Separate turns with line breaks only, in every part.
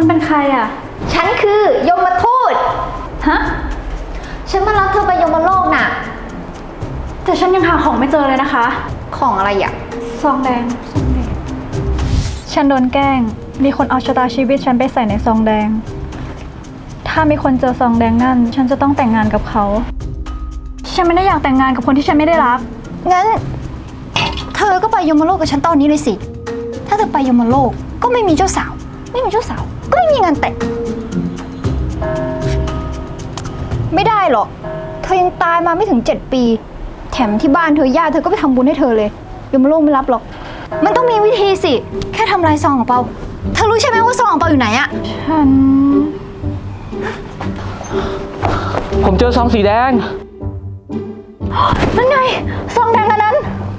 คุณเป็นใครอ่ะ
ฉันคือยมทูต
ฮะ
ฉันมารับเธอไปยมโลกน่ะ
แต่ฉันยังหาของไม่เจอเลยนะคะ
ของอะไรอ่ะ
ซองแดงฉันโดนแกล้งมีคนเอาชะตาชีวิตฉันไปใส่ในซองแดงถ้ามีคนเจอซองแดงนั่นฉันจะต้องแต่งงานกับเขาฉันไม่ได้อยากแต่งงานกับคนที่ฉันไม่ได้รัก
งั้นเธอก็ไปยมโลกกับฉันตอนนี้เลยสิถ้าเธอไปยมโลกก็ไม่มีเจ้าสาวไม่มีเจ้าสาวก็ไม่มีงานแต่งไม่ได้หรอกเธอยังตายมาไม่ถึง7 ปีแถมที่บ้านเธอญาติเธอก็ไปทำบุญให้เธอเลยยมโลกไม่รับหรอกมันต้องมีวิธีสิแค่ทำลายซองของเปาเธอรู้ใช่ไหมว่าซองของเปาอยู่ไหนอะ
ผมเจอซองสีแดง
นั่นไงซองแดงอันนั้น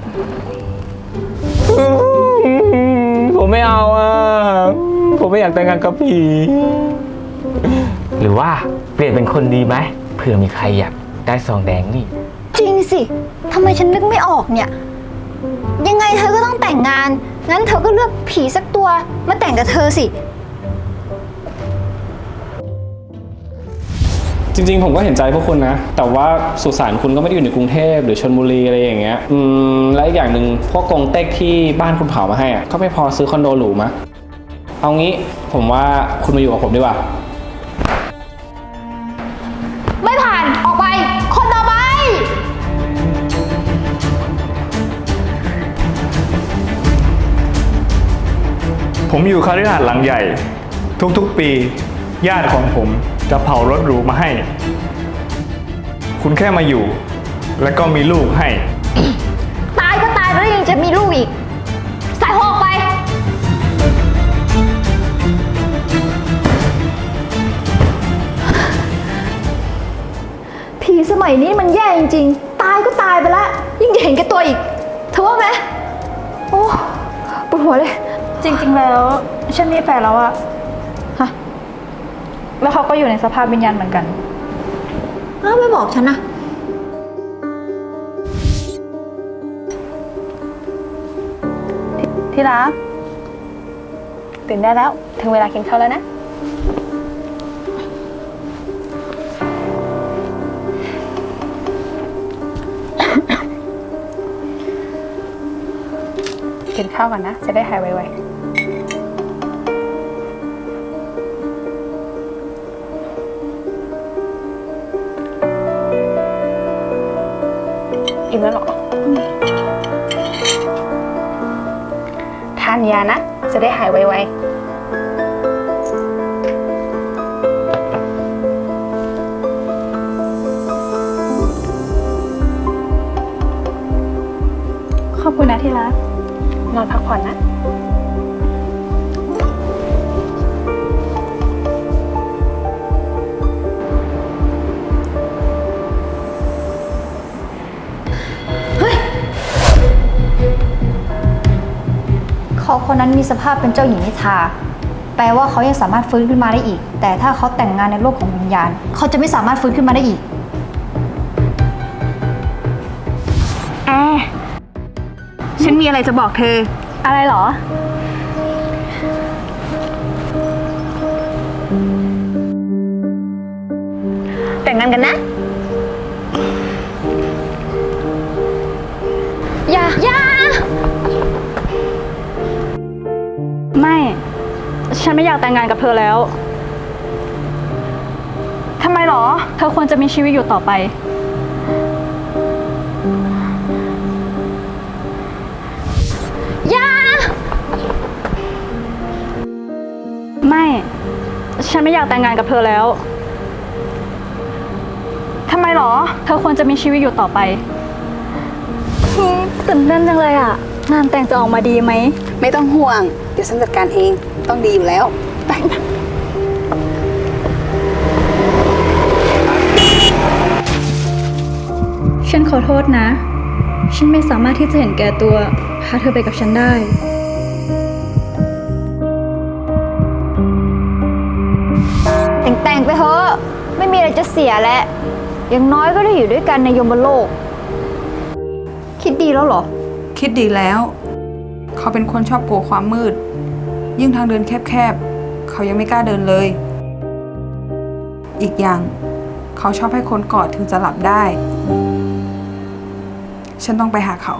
ผมไม่เอาอ่ะผมไม่อยากแต่งงานกับผีหรือว่าเปลี่ยนเป็นคนดีไหมเผื่อมีใครอยากได้ซองแดงนี่
จริงสิทำไมฉันนึกไม่ออกเนี่ยยังไงเธอก็ต้องแต่งงานงั้นเธอก็เลือกผีสักตัวมาแต่งกับเธอสิ
จริงๆผมก็เห็นใจพวกคุณนะแต่ว่าสุสานคุณก็ไม่ได้อยู่ในกรุงเทพหรือชลบุรีอะไรอย่างเงี้ยและอีกอย่างหนึ่งพวกกงเต็กที่บ้านคุณเผามาให้อ่ะก็ไม่พอซื้อคอนโดหรูมะเอางี้ผมว่าคุณมาอยู่กับผมดีกว่า
ไม่ผ่านออกไปคนต่อไป
ผมอยู่คฤหาสน์หลังใหญ่ทุกๆปีญาติของผมจะเผารถหรูมาให้ คุณแค่มาอยู่และก็มีลูกให้
ตายก็ตายแล้วยังจะมีลูกอีกใส่หัวออกไปผีสมัยนี้มันแย่จริงๆตายก็ตายไปแล้วยิ่งจะเห็นแก่ตัวอีกเธอว่าไหมโอ้ปวดหัวเลย
จริงๆแล้วฉันมีแฟนแล้วอะ
ฮะ
แล้วเขาก็อยู่ในสภาพวิญญาณเหมือนกัน
อ้าวไม่บอกฉันนะ
ที่รักตื่นได้แล้วถึงเวลากินข้าวแล้วนะกินข้าวก่อนนะจะได้หายไวๆอิ่มแล้วหรอทานยานะจะได้หายไวๆขอบคุณนะที่รักนอนพักผ่อนนะ
เขาคนนั้นมีสภาพเป็นเจ้าหญิงนิทราแปลว่าเขายังสามารถฟื้นขึ้นมาได้อีกแต่ถ้าเขาแต่งงานในโลกของวิญญาณเขาจะไม่สามารถฟื้นขึ้นมาได้อีก
แอร์ฉันมีอะไรจะบอกเธออะไรหรอแต่งงานกันนะ
อย่า
ไม่ฉันไม่อยากแต่งงานกับเธอแล้วทำไมหรอเธอควรจะมีชีวิตอยู่ต่อไปไม่ฉันไม่อยากแต่งงานกับเธอแล้วทำไมหรอเธอควรจะมีชีวิตอยู่ต่อไปตื่นเต้นจังเลยอ่ะงานแต่งจะออกมาดีไหม
ไม่ต้องห่วงเดี๋ยวฉันจัดการเองต้องดีอยู่แล้วไป
ฉันขอโทษนะฉันไม่สามารถที่จะเห็นแก่ตัวพาเธอไปกับฉันได้
แต่งไปเถอะไม่มีอะไรจะเสียแล้วอย่างน้อยก็ได้อยู่ด้วยกันในยมโลกคิดดีแล้วเหรอ
คิดดีแล้วเขาเป็นคนชอบกลัวความมืดยิ่งทางเดินแคบๆเข
เขายังไม่กล้าเดินเลย อีกอย่างเขาชอบให้คนกอดถึงจะหลับได้ ฉันต้องไปหาเขา